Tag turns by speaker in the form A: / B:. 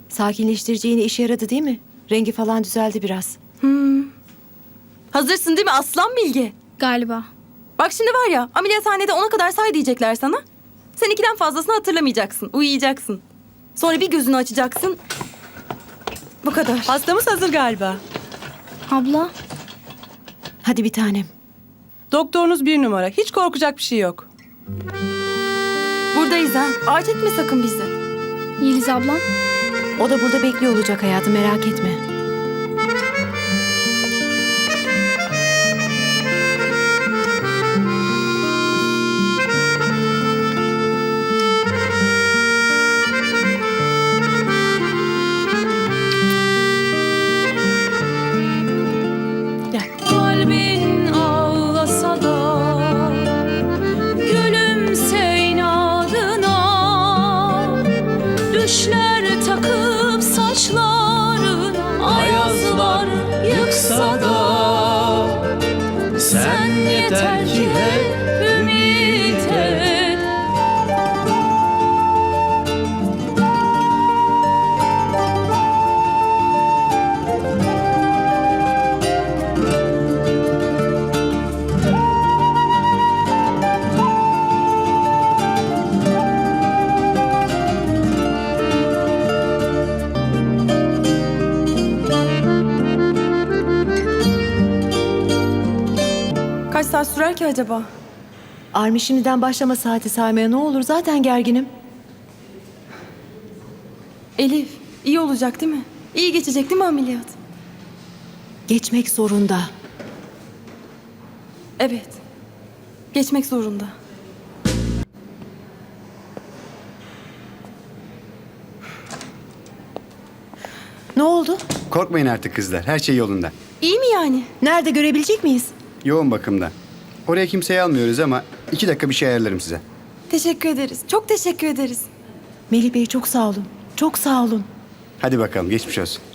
A: Sakinleştirici iğne işe yaradı değil mi? Rengi falan düzeldi biraz.
B: Hazırsın değil mi aslan Bilge?
C: Galiba.
B: Bak şimdi var ya, ameliyathanede 10'a kadar say diyecekler sana. Sen 2'den fazlasını hatırlamayacaksın, uyuyacaksın. Sonra bir gözünü açacaksın. Bu kadar.
D: Hastamız hazır galiba.
C: Abla,
A: Hadi bir tanem.
D: Doktorunuz 1 numara. Hiç korkacak bir şey yok.
B: Buradayız ha. Ağaç etme sakın bizi.
C: Yeliz ablam.
A: O da burada bekliyor olacak hayatım, merak etme.
E: Kalbin ağlasa da gülümse inadına. Düşler takıp saçların ayazlar yıksa da sen yeter ki hep ümit et.
B: Kaç saat sürer ki acaba?
A: Armi şimdiden başlama saati saymaya ne olur, zaten gerginim.
B: Elif, iyi olacak değil mi? İyi geçecek değil mi ameliyat?
A: Geçmek zorunda.
B: Evet. Geçmek zorunda.
A: Ne oldu?
F: Korkmayın artık kızlar. Her şey yolunda.
B: İyi mi yani?
A: Nerede görebilecek miyiz?
F: Yoğun bakımda. Oraya kimseyi almıyoruz ama 2 dakika bir şey ayarlarım size.
B: Teşekkür ederiz. Çok teşekkür ederiz.
A: Melih Bey çok sağ olun. Çok sağ olun.
F: Hadi bakalım geçmiş olsun.